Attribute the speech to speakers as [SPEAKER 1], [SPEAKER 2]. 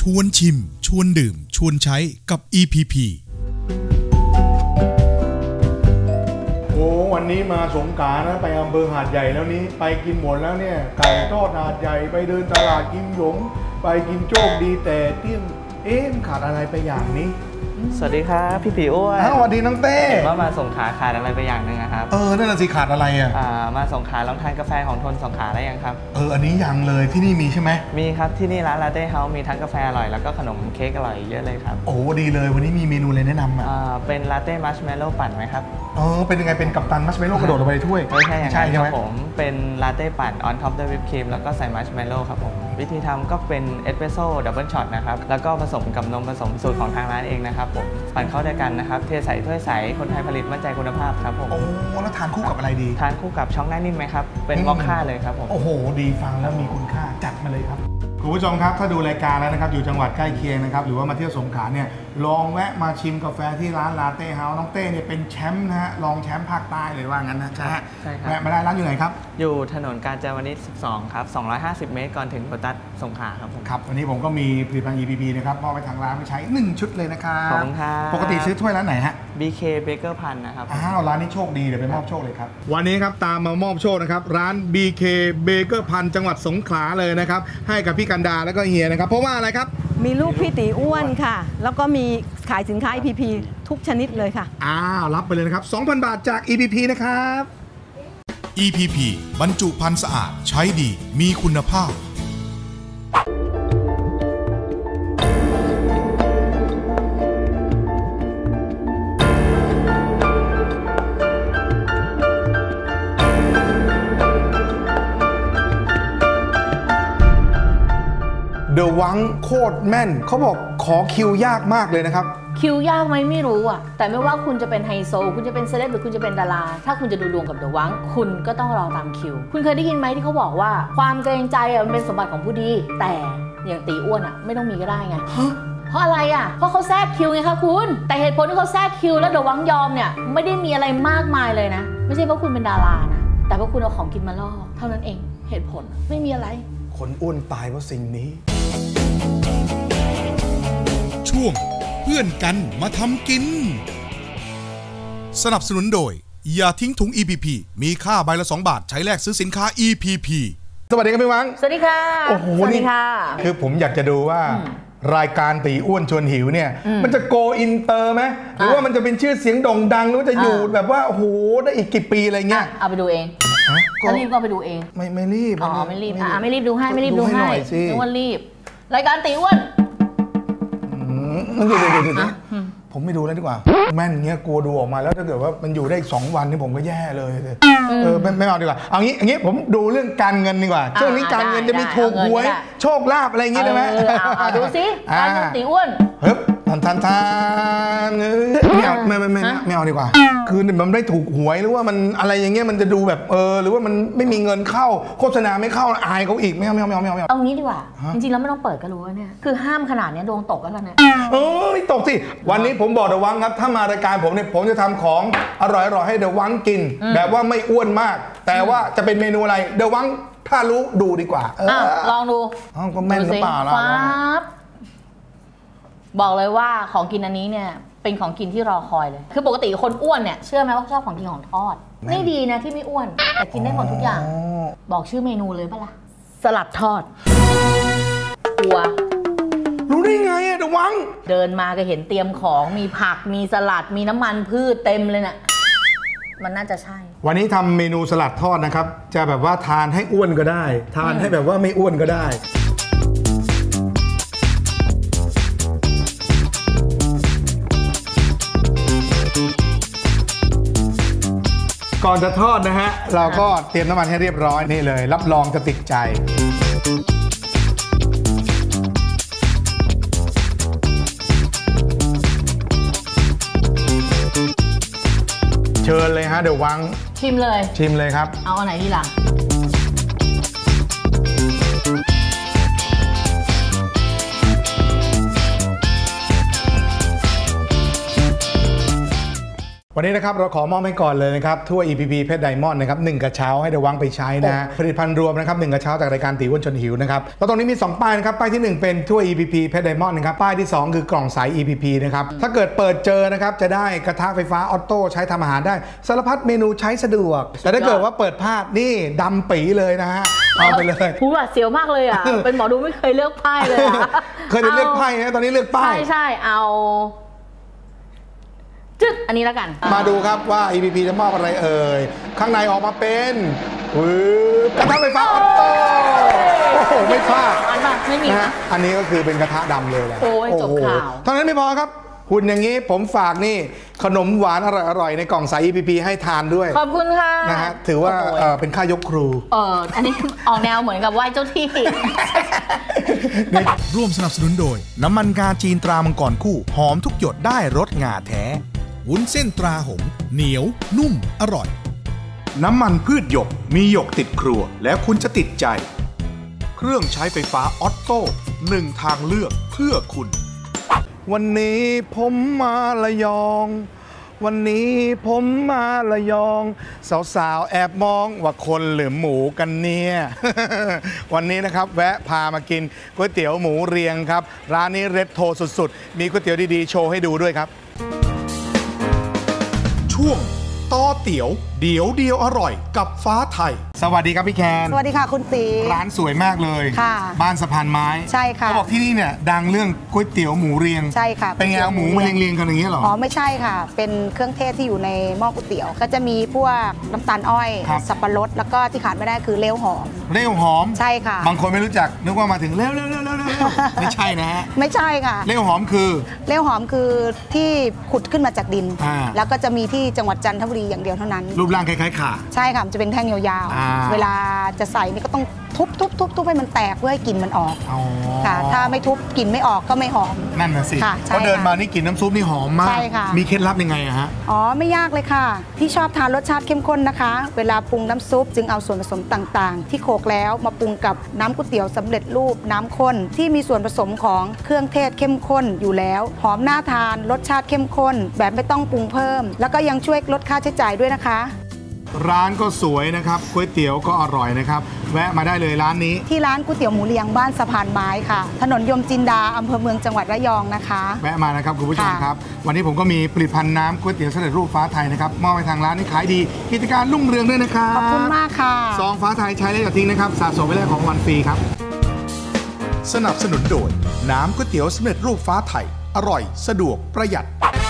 [SPEAKER 1] ชวนชิมชวนดื่มชวนใช้กับ EPP
[SPEAKER 2] โอ้วันนี้มาสงขลานะไปอำเภอหาดใหญ่แล้วนี้ไปกินหมดแล้วเนี่ยไก่ทอดหาดใหญ่ไปเดินตลาดกิมหยงไปกินโชคดีแต่เที่ยงขาดอะไรไปอย่างนี้
[SPEAKER 3] สวัสดีครับพี่ปีอ้วน
[SPEAKER 2] สวัสดีน้องเต้
[SPEAKER 3] เห็นว่ามาสงขลาขาดอะไรไปอย่างหนึ่งครับ
[SPEAKER 2] นั่นน่ะสิขาดอะไร
[SPEAKER 3] มาสงขลาลองทานกาแฟของทนสงขลาได้ยังครับ
[SPEAKER 2] อันนี้ยังเลยที่นี่มีใช่ไหม
[SPEAKER 3] มีครับที่นี่ร้านลาเต้เฮาส์มีทั้งกาแฟอร่อยแล้วก็ขนมเค้กอร่อยเยอะเลยครับ
[SPEAKER 2] โอ้ดีเลยวันนี้มีเมนูอะไรแนะน
[SPEAKER 3] ำเป็นลาเต้มัชเมลโล่ปั่นไหมครับ
[SPEAKER 2] เป็นยังไงเป็นกัปตันมัชเมลโล่กระโดดลงไปในถ้วย
[SPEAKER 3] ไม่ใช่อย่างนั้นครับผมเป็นลาเต้ปั่นออนท็อปด้วยวิปครีมแล้วก็ใส่มัชเมลโล่ครับผมวิธีทำก็เป็นเอสเปรสโซ่ดับเบิลช็อตนะครับแล้วก็ผสมกับนมผสมสูตรของทางร้านเองนะครับผมปั่นเข้าด้วยกันนะครับเทใส่ถ้วยใสคนไทยผลิตมั่นใจคุณภาพครับผม
[SPEAKER 2] แล้วทานคู่กับอะไรดี
[SPEAKER 3] ทานคู่กับช็อกหน้านิ่มไหมครับเป็นมอคค่าเลยครับผม
[SPEAKER 2] โอ้โหดีฟังแล้วมีคุณค่าจัดมาเลยครับคุณผู้ชมครับถ้าดูรายการแล้วนะครับอยู่จังหวัดใกล้เคียงนะครับหรือว่ามาเที่ยวสงขลาเนี่ยลองแวะมาชิมกาแฟที่ร้านลาเต้เฮาส์น้องเต้เนี่ยเป็นแชมป์นะฮะรองแชมป์ภาคใต้เลยว่างั้นนะใช่ครับแวะมาได้ร้านอยู่ไหนครับ
[SPEAKER 3] อยู่ถนนกาญจนาวนิช12ครับ250 เมตรก่อนถึงโลตัสสงขลาครับผม
[SPEAKER 2] ครับวันนี้ผมก็มีผลิตภัณฑ์ EPP นะครับมอบไปทางร้านไปใช้1ชุดเลยนะครับ
[SPEAKER 3] ขอบคุณครับ
[SPEAKER 2] ปกติซื้อถ้วยร้านไหนฮะ
[SPEAKER 3] BK Baker Pan นะครับ
[SPEAKER 2] ร้านนี้โชคดีเดี๋ยวไปมอบโชคเลยครับวันนี้ครับตามมามอบโชคนะครับร้าน BK Baker Pan จังหวัดสงขลาเลยนะครับให้กับพี่กันดาแล้วก็เฮียนะครับเพราะว่าอะไรครับ
[SPEAKER 4] มีลูกพี่ตีอ้วนค่ะแล้วก็มีขายสินค้า EPP ทุกชนิดเลยค่ะ
[SPEAKER 2] รับไปเลยนะครับ 2,000 บาทจาก EPP นะครับ
[SPEAKER 1] EPP บรรจุภัณฑ์สะอาดใช้ดีมีคุณภาพ
[SPEAKER 2] เดอะวังโคตรแม่นเขาบอกขอคิวยากมากเลยนะครับ
[SPEAKER 5] คิวยากไหมไม่รู้อ่ะแต่ไม่ว่าคุณจะเป็นไฮโซคุณจะเป็นเซเลบหรือคุณจะเป็นดาราถ้าคุณจะดูดวงกับเดอะวังคุณก็ต้องรอตามคิวคุณเคยได้ยินไหมที่เขาบอกว่าความเกรงใจมันเป็นสมบัติของผู้ดีแต่อย่างตีอ้วนอ่ะไม่ต้องมีก็ได้ไงเพราะอะไรอ่ะเพราะเขาแทรกคิวไงคะคุณแต่เหตุผลที่เขาแทรกคิวแล้วเดอะวังยอมเนี่ยไม่ได้มีอะไรมากมายเลยนะไม่ใช่เพราะคุณเป็นดารานะแต่เพราะคุณเอาของกินมาล่อเท่านั้นเองเหตุผลไม่มีอะไร
[SPEAKER 2] คนอ้วนตายเพราะสิ่งนี้
[SPEAKER 1] ช่วงเพื่อนกันมาทำกินสนับสนุนโดยอย่าทิ้งถุง EPP มีค่าใบละ2 บาทใช้แลกซื้อสินค้า EPP
[SPEAKER 2] สวัสดีครับพี่วัง
[SPEAKER 5] สวัสดีค่ะ
[SPEAKER 2] โอ้โห
[SPEAKER 5] สวัสดีค่ะ
[SPEAKER 2] คือผมอยากจะดูว่ารายการตีอ้วนชวนหิวเนี่ยมันจะโกอินเตอร์ไหมหรือว่ามันจะเป็นชื่อเสียงโด่งดังหรือว่าจะอยู่แบบว่าโอ้โหได้อีกกี่ปีอะไรเงี้ย
[SPEAKER 5] เอาไปดูเองถ้ารีบก็ไปดูเอง
[SPEAKER 2] ไม่รีบ
[SPEAKER 5] ไม่รีบไม่รีบดูให้ไม่รีบดูให้นึกว่ารีบรายการตีอ้วน
[SPEAKER 2] เดี๋ยวผมไม่ดูแล้วดีกว่าแม่นเงี้ยกลัวดูออกมาแล้วถ้าเกิดว่ามันอยู่ได้อีก2 วันนี่ผมก็แย่เลยไม่เอาดีกว่าเอางี้ผมดูเรื่องการเงินดีกว่าช่วงนี้การเงินจะมีถูกหวยโชคลาภอะไรอย่างงี้ได้ไหม
[SPEAKER 5] ดูสิการเงินตีอ้วน
[SPEAKER 2] ทานไม่เอาดีกว่าคือมันไม่ถูกหวยหรือว่ามันอะไรอย่างเงี้ยมันจะดูแบบหรือว่ามันไม่มีเงินเข้าโฆษณาไม่เข้าอายเขาอีกไม่เอา
[SPEAKER 5] เอางี้ดีกว่าจริงๆแล้วไม่ต้องเปิดก็รู้ว่าเนี่ยคือห้ามขนาดนี้ดวงตกแล้วกันเนี่ย
[SPEAKER 2] ไม่ตกสิวันนี้ผมบอกเดอะวังครับถ้ามารายการผมเนี่ยผมจะทำของอร่อยๆให้เดอะวังกินแบบว่าไม่อ้วนมากแต่ว่าจะเป็นเมนูอะไรเดอะวังถ้ารู้ดูดีกว่า
[SPEAKER 5] ลองดู
[SPEAKER 2] ก็แม่นหรือเปล่าล่ะ
[SPEAKER 5] บอกเลยว่าของกินอันนี้เนี่ยเป็นของกินที่รอคอยเลยคือปกติคนอ้วนเนี่ยเชื่อไหมว่าชอบของกินของทอดไม่ดีนะที่ไม่อ้วนแต่กินได้หมดทุกอย่างบอกชื่อเมนูเลยปะล่ะสลัดทอดกลัว
[SPEAKER 2] รู้ได้ไงอะเดอะวัง
[SPEAKER 5] เดินมาก็เห็นเตรียมของมีผักมีสลัดมีน้ำมันพืชเต็มเลยน่ะมันน่าจะใช่
[SPEAKER 2] วันนี้ทำเมนูสลัดทอดนะครับจะแบบว่าทานให้อ้วนก็ได้ทานให้แบบว่าไม่อ้วนก็ได้ก่อนจะทอดนะฮะเราก็เตรียมน้ำมันให้เรียบร้อยนี่เลยรับรองจะติดใจเชิญเลยฮะเดี๋ยววัง
[SPEAKER 5] ชิม
[SPEAKER 2] เลยครับ
[SPEAKER 5] เอาอันไหนดีล่ะ
[SPEAKER 2] วันนี้นะครับเราขอมอบให้ก่อนเลยนะครับถ้วย EPP เพชรไดมอนด์นะครับ1กระเช้าให้เดวังไปใช้นะฮะผลิตภัณฑ์รวมนะครับ1กระเช้าจากรายการตีอ้วนชวนหิวนะครับแล้วตรงนี้มี2ป้ายนะครับป้ายที่1เป็นถ้วย EPP เพชรไดมอนด์นะครับป้ายที่2คือกล่องใส EPP นะครับถ้าเกิดเปิดเจอนะครับจะได้กระทะไฟฟ้าออโต้ใช้ทำอาหารได้สารพัดเมนูใช้สะดวกแต่ถ้าเกิดว่าเปิดพลาดนี่ดำปีเลยนะฮะเอาไปเลย
[SPEAKER 5] ผู้หวาดเสียวมากเลยอ่ะ เป็นหมอดูไม่เคยเลือกไพ่เลยอ่ะ
[SPEAKER 2] เคยเลือกไพ่นะตอนนี้เลือกป้าย
[SPEAKER 5] ใช่เอาจึ๊ดอันนี้แล้วกัน
[SPEAKER 2] มาดูครับว่า EPP จะมอบอะไรเอ่ยข้างในออกมาเป็นกระทะไฟฟ้าออโต้โอ้โหไม่พลาด
[SPEAKER 5] ไม่มี
[SPEAKER 2] นะอันนี้ก็คือเป็นกระทะดำเลยแหละ
[SPEAKER 5] โอ้ยจบข่าว
[SPEAKER 2] เท่านั้นไม่พอครับหุ่นอย่างนี้ผมฝากนี่ขนมหวานอร่อยๆในกล่องใส EPP ให้ทานด้วย
[SPEAKER 5] ขอบคุณค่ะ
[SPEAKER 2] นะฮะถือว่าเป็นค่ายกครู
[SPEAKER 5] อันนี้ออกแนวเหมือนกับไหว้เจ้าที่
[SPEAKER 1] ร่วมสนับสนุนโดยน้ำมันงาจีนตรามังกรคู่หอมทุกหยดได้รสงาแท้วุ้นเส้นตราหงเหนียวนุ่มอร่อยน้ำมันพืชหยกมีหยกติดครัวแล้วคุณจะติดใจเครื่องใช้ไฟฟ้าออโต้1ทางเลือกเพื่อคุณ
[SPEAKER 2] วันนี้ผมมาระยองวันนี้ผมมาระยองสาวๆแอบมองว่าคนหรือหมูกันเนี่ย วันนี้นะครับแวะพามากินก๋วยเตี๋ยวหมูเรียงครับร้านนี้เรดโทรสุดๆมีก๋วยเตี๋ยวดีๆโชว์ให้ดูด้วยครับ
[SPEAKER 1] ช่วงต่อเตี๋ยวเดี๋ยวเดียวอร่อยกับฟ้าไทย
[SPEAKER 2] สวัสดีครับพี่แคน
[SPEAKER 4] สวัสดีค่ะคุณตี
[SPEAKER 2] ร้านสวยมากเลย
[SPEAKER 4] ค่ะ
[SPEAKER 2] บ้านสะพานไม้
[SPEAKER 4] ใช่ค่ะ
[SPEAKER 2] เขาบอกที่นี่เนี่ยดังเรื่องก๋วยเตี๋ยวหมูเรียง
[SPEAKER 4] ใช่ค่ะ
[SPEAKER 2] เป็นไงเอาหมูมาเรียงๆกันอย่างนี้หรอ
[SPEAKER 4] อ๋อไม่ใช่ค่ะเป็นเครื่องเทศที่อยู่ในหม้อก๋วยเตี๋ยวก็จะมีพวกน้ำตาลอ้อยสับปะรดแล้วก็ที่ขาดไม่ได้คือเล้วหอม
[SPEAKER 2] เล้วหอม
[SPEAKER 4] ใช่ค่ะ
[SPEAKER 2] บางคนไม่รู้จักนึกว่ามาถึงเล้วไม่ใช่นะฮะ
[SPEAKER 4] ไม่ใช่ค่ะ
[SPEAKER 2] เล้วหอมคือ
[SPEAKER 4] เล้วหอมคือที่ขุดขึ้นมาจากดินแล้วก็จะมีที่จังหวัดจันทบุรีอย่างเดียวเท่านั้น
[SPEAKER 2] รูปร่างคล้ายๆข่า
[SPEAKER 4] ใช่ค่ะมันจะเป็นแท่งยาวๆเวลาจะใส่นี่ก็ต้องทุบให้มันแตกเพื่อให้กลิ่นมันออกค่ะถ้าไม่ทุบกลิ่นไม่ออกก็ไม่หอม
[SPEAKER 2] นั่นน่ะสิพอเดินมานี่กลิ่นน้ำซุปนี่หอมมาก
[SPEAKER 4] ใช่ค่ะ
[SPEAKER 2] มีเคล็ดลับยังไงอะฮะ
[SPEAKER 4] อ๋อไม่ยากเลยค่ะที่ชอบทานรสชาติเข้มข้นนะคะเวลาปรุงน้ำซุปจึงเอาส่วนผสมต่างๆที่โขลกแล้วมาปรุงกับน้ำก๋วยเตี๋ยวสำเร็จรูปน้ำข้นที่มีส่วนผสมของเครื่องเทศเข้มข้นอยู่แล้วหอมน่าทานรสชาติเข้มข้นแบบไม่ต้องปรุงเพิ่มแล้วก็ยังช่วยลดค่าใช้จ่ายด้วยนะคะ
[SPEAKER 2] ร้านก็สวยนะครับก๋วยเตี๋ยวก็อร่อยนะครับแวะมาได้เลยร้านนี้
[SPEAKER 4] ที่ร้านก๋วยเตี๋ยวหมูเรียงบ้านสะพานไม้ค่ะถนนยมจินดาอำเภอเมืองจังหวัดระยองนะคะ
[SPEAKER 2] แวะมานะครับคุณผู้ชมครับวันนี้ผมก็มีผลิตภัณฑ์น้ำก๋วยเตี๋ยวสำเร็จรูปฟ้าไทยนะครับมอบให้ทางร้านนี้ขายดีกิจการรุ่งเรืองด้วยนะครับ
[SPEAKER 4] ขอบคุณมากค่ะ
[SPEAKER 2] ซองฟ้าไทยใช้แล้วอย่าทิ้งนะครับสะสมไว้แลกของวันฟรีครับ
[SPEAKER 1] สนับสนุนโดยน้ำก๋วยเตี๋ยวสำเร็จรูปฟ้าไทยอร่อยสะดวกประหยัด